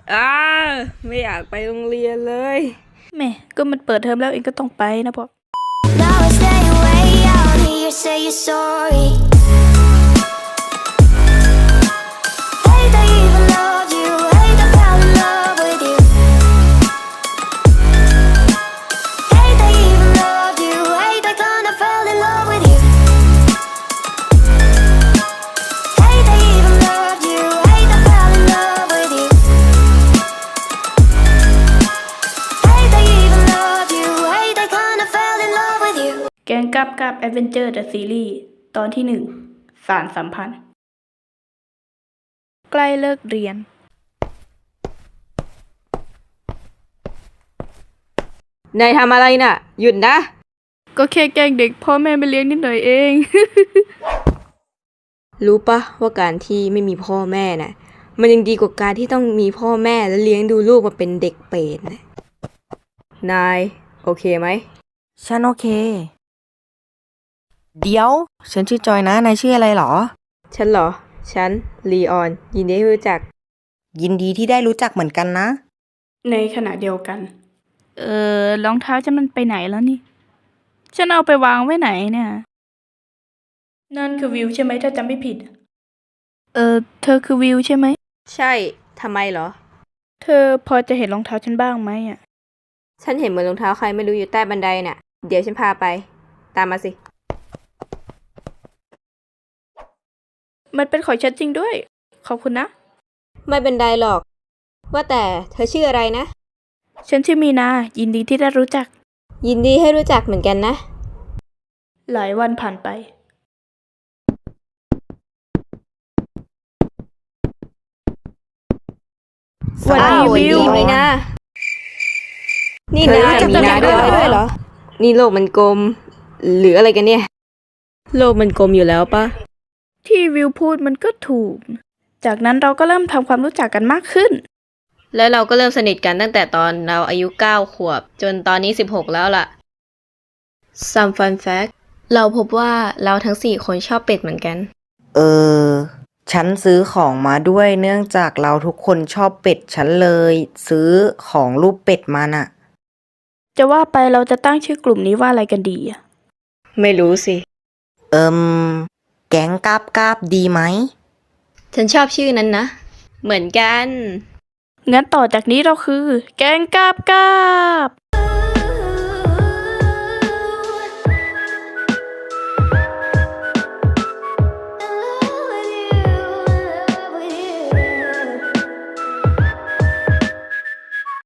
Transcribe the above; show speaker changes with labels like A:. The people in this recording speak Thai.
A: อ้าไม่อยากไปโรงเรียนเลย
B: แม่ก็มันเปิดเทอมแล้วเองก็ต้องไปนะบอก
C: Now I stay away out here, say you're sorry. Hate they even loved you, hate they fell in love with you. Hate they even loved you, hate they kinda fell in love with you. Hate they even loved you, hate they fell in love with you. Hate they even loved you, hate they kinda fell in love with you.
B: แกงกับแอดเวนเจอร์เดอะซีรีส์ตอนที่1 สารสัมพันธ์ ใกล้เลิกเรียน
A: นายทำอะไรน่ะ หยุดนะ
B: ก็แค่แกล้งเด็กพ่อแม่ไปเลี้ยงนิดหน่อยเอง
A: รู้ปะว่าการที่ไม่มีพ่อแม่น่ะ มันยังดีกว่าการที่ต้องมีพ่อแม่แล้วเลี้ยงดูลูกมาเป็นเด็กเปรตนะนาย โอเคไหม
D: ฉันโอเค เดี๋ยว ฉันชื่อจอยนะ นายชื่ออะไรหรอ
A: ฉันเหรอ ฉันลีออน ยินดีที่รู้จัก
D: ยินดีที่ได้รู้จักเหมือนกันนะ
B: ในขณะเดียวกัน รองเท้าฉันมันไปไหนแล้วนี่ ฉันเอาไปวางไว้ไหนเนี่ย นั่นคือวิวใช่ไหมถ้าจำไม่ผิด เธอคือวิวใช่ไหม
A: ใช่ทำไมเหรอ
B: เธอพอจะเห็นรองเท้าฉันบ้างไหมอ่ะ
A: ฉันเห็นเหมือนรองเท้าใครไม่รู้อยู่ใต้บันไดน่ะ เดี๋ยวฉันพาไป ตามมาสิ
B: มันเป็นของฉันจริงด้วย ขอบคุณนะ
A: ไม่เป็นไรหรอก ว่าแต่เธอชื่ออะไรนะ
B: ฉันชื่อมีนา ยินดีที่ได้รู้จัก
A: ยินดีให้รู้จักเหมือนกันนะ
B: หลายวันผ่านไป
A: สวัสดีวิวมีนานี่
B: เธอน
A: าย
B: รู้จัก
A: มีนา
B: กันด้วยเหรอ
A: ด้วยเหรอ นี่โลกมันกลม หรืออะไรกันเนี่ย โลกมันกลมอยู่แล้วปะ
B: ที่วิวพูดมันก็ถูก จากนั้นเราก็เริ่มทำความรู้จักกันมากขึ้น
A: แล้วเราก็เริ่มสนิทกันตั้งแต่ตอนเราอายุ9 ขวบ จนตอนนี้16แล้วล่ะ Some fun fact เราพบว่าเราทั้ง4คนชอบเป็ดเหมือนกัน
D: ฉันซื้อของมาด้วยเนื่องจากเราทุกคนชอบเป็ด ฉันเลย ซื้อของรูปเป็ดมาน่ะ
B: จะว่าไปเราจะตั้งชื่อกลุ่มนี้ว่าอะไรกันดีอะ
A: ไม่รู้สิ
D: แก๊งกาบดีไหม
A: ฉันชอบชื่อนั้นนะ เหมือนกัน
B: งั้นต่อจากนี้เราคือ แกงกาบ